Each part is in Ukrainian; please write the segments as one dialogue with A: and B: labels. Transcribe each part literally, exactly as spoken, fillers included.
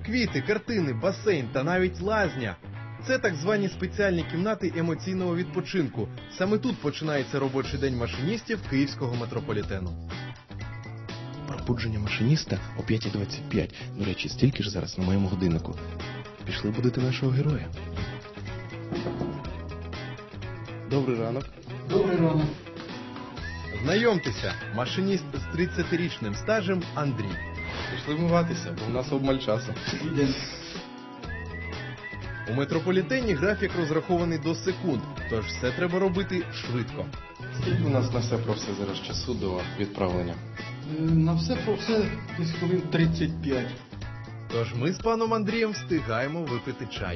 A: Квіти, картини, басейн та навіть лазня. Це так звані спеціальні кімнати емоційного відпочинку. Саме тут починається робочий день машиністів київського метрополітену.
B: Пробудження машиніста о п'ята двадцять п'ять. До речі, стільки ж зараз на моєму годиннику. Пішли будити нашого героя. Добрий ранок.
C: Добрий ранок.
A: Знайомтеся, машиніст з тридцятирічним стажем Андрій.
B: Пішли вмиватися, бо в нас обмаль часу.
C: Ідемо.
A: У метрополітені графік розрахований до секунд, тож все треба робити швидко.
B: Скільки у нас на все про все зараз часу до відправлення?
C: Е, На все про все десь хвилин тридцять п'ять.
A: Тож ми з паном Андрієм встигаємо випити чай.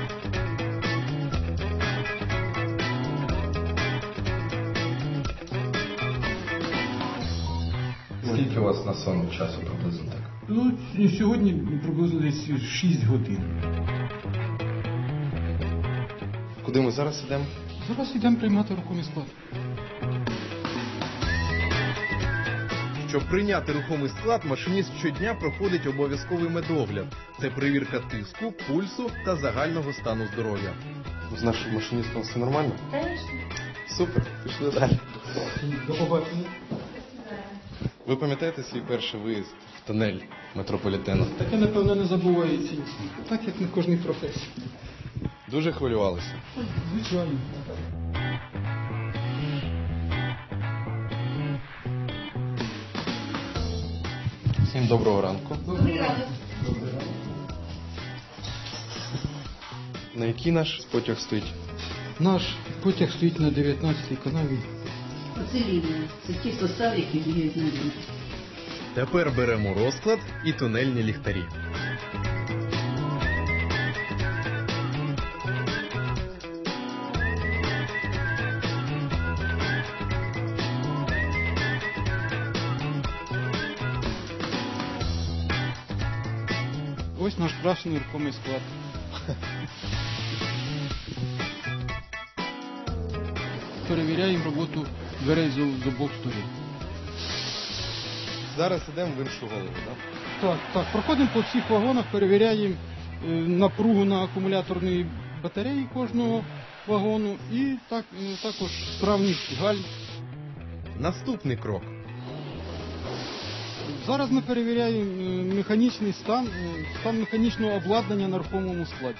B: Скільки у вас на сон часу приблизно так?
C: Ну, сьогодні приблизно десь шість годин.
B: Куди ми зараз йдемо?
C: Зараз йдемо приймати рухомий склад.
A: Щоб прийняти рухомий склад, машиніст щодня проходить обов'язковий медогляд. Це перевірка тиску, пульсу та загального стану здоров'я.
B: З нашим машиністом все нормально?
D: Конечно.
B: Супер, пішли далі.
C: До побачення.
B: Ви пам'ятаєте свій перший виїзд в тунель метрополітену?
C: Таке, напевно, не забувається. Так, як на кожній професії.
B: Дуже хвилювалися.
C: Звичайно.
B: Всім доброго ранку.
D: Добрий ранок.
B: На який наш потяг стоїть?
C: Наш потяг стоїть на дев'ятнадцятій канаві.
D: Оце лінія. Це ті состави, які діють на лінії.
A: Тепер беремо розклад і тунельні ліхтарі.
C: Ось наш красний рухомий склад. Перевіряємо роботу дверей з з обох сторін.
B: Зараз йдемо в іншу голову, так?
C: Так, так, проходимо по всіх вагонах, перевіряємо е, напругу на акумуляторній батареї кожного вагону і так, е, також справність гальм.
A: Наступний крок.
C: Зараз ми перевіряємо е, механічний стан, е, стан механічного обладнання на рухомому складі.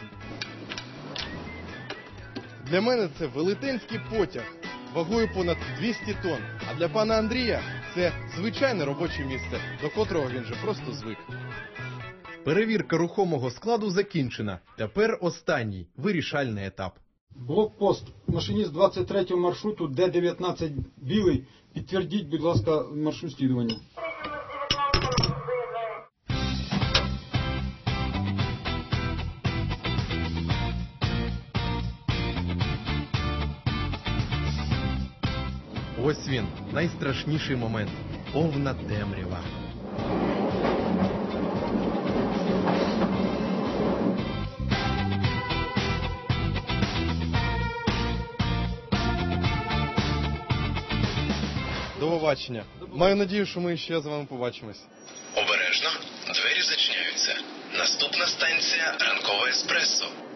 A: Для мене це велетенський потяг вагою понад двісті тонн. А для пана Андрія це звичайне робоче місце, до котрого він же просто звик. Перевірка рухомого складу закінчена. Тепер останній, вирішальний етап.
C: Блокпост. Машиніст двадцять третього маршруту Д дев'ятнадцять білий. Підтвердіть, будь ласка, маршрут слідування.
A: Ось він, найстрашніший момент. Повна темрява.
B: До побачення. Маю надію, що ми ще з вами побачимось.
E: Обережно, двері зачиняються. Наступна станція – ранкове еспресо.